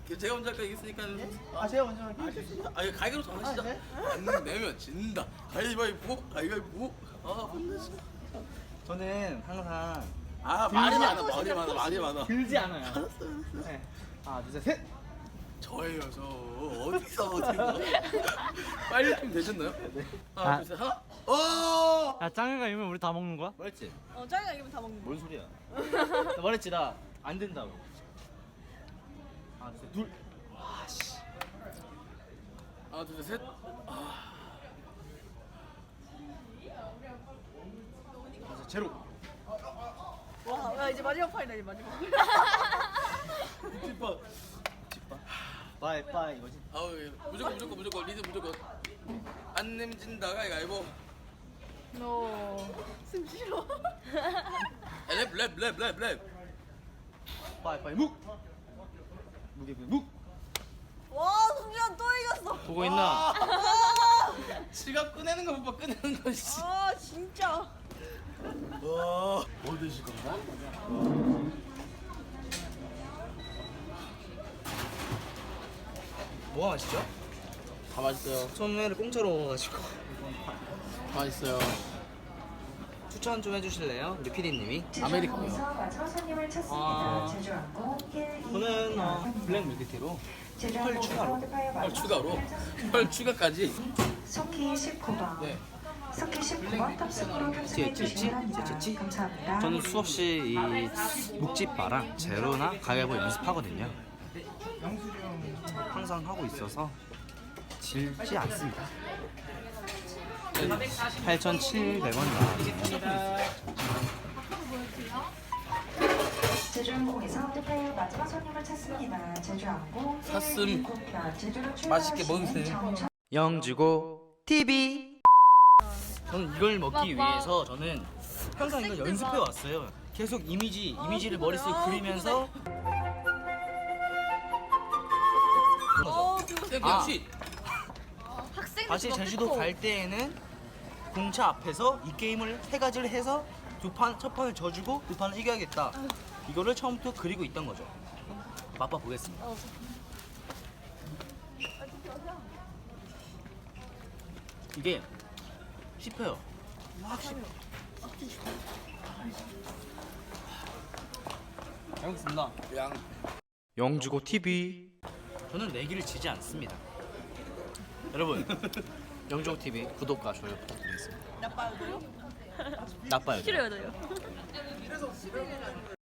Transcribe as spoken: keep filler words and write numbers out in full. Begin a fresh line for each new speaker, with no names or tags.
제가 먼저 할까 이겼으니까.
아 제가 먼저 할게요.
알겠습니다. 아, 이거 가위바위보 정하시죠.
아, 네?
안 내면 진다. 가위바위보, 가위바위보. 아, 혼내시.
저는 항상
아, 말이 많아, 말이 많아, 말이 많아.
들지 않아요. 네. 하나 둘 셋 셋.
저예요, 저. 어디서 어디서. 빨리 좀 되셨나요? 네. 하나,
아.
둘, 셋, 하나. 어!
야 짱이가 이면 우리 다 먹는 거야?
말했지?
어, 짱이가 이기면 다 먹는 거.
뭔 소리야? 나 말했지 나 안 된다고. 하나 둘 셋 둘. 아씨.
하나, 둘, 셋. 아,
그래서 제로.
와, 야, 이제 마지막 판이다, 이제 마지막.
뒷바.
빠이 빠이 이거지.
아우, 예. 무조건, 무조건, 무조건. 리드 무조건. 안 nem진다, 가위바위보.
너. 숨 쉬러.
랩, 랩, 랩, 랩, 랩.
빠이 빠이 묵. 무게 묵.
와, 승준 또 이겼어.
보고 있나?
지갑 꺼내는 거 못 봐, 꺼내는 거, 씨.
아, 진짜.
와, 뭐 드실 건가?
뭐가 맛있죠?
다 맛있어요.
처음에는 공짜로 먹어가지고.
맛있어요.
추천 좀 해주실래요, 우리 피디님이?
아메리카노요.
마지막 손님을 찾습니다.
아.
제주항공 일, 이,
저는 어, 블랙 밀크티로 펄 추가로.
펄 추가로? 펄 추가까지?
석희 십구 번.
네.
석희 십구 번 탑승으로 탑승해
찌찌찌?
주시면
찌찌찌?
감사합니다.
저는 수없이 이 묵집바랑 제로나 가위바위보 연습하거든요. 항상 하고 있어서 질지 않습니다. 팔천칠백 원 나왔습니다.
제주항공에서 택배 마지막 손님을 찾습니다. 제주항공
샀음.
일, 이, 편 제주로
맛있게
출발하시는
먹으세요.
정천
영주고 티비.
저는 이걸 먹기 위해서 저는 항상 이걸 연습해 왔어요. 계속 이미지, 이미지를 머릿속에 그리면서
어, 그거
쌤,
아.
역시.
학생
다시 제주도 갈 때에는 공차 앞에서 이 게임을 세 가지를 해서 두 판, 첫 판을 져주고 두 판을 이겨야겠다. 이거를 처음부터 그리고 있던 거죠. 맛봐 보겠습니다.
어.
이게 씹혀요. 확 씹혀. 잘 먹겠습니다.
양.
영주고 티비.
저는 내기를 지지 않습니다. 여러분,
영주고 티비 구독과 좋아요 부탁드리겠습니다.
나빠요, 너요?
나빠요.
싫어요, 너요?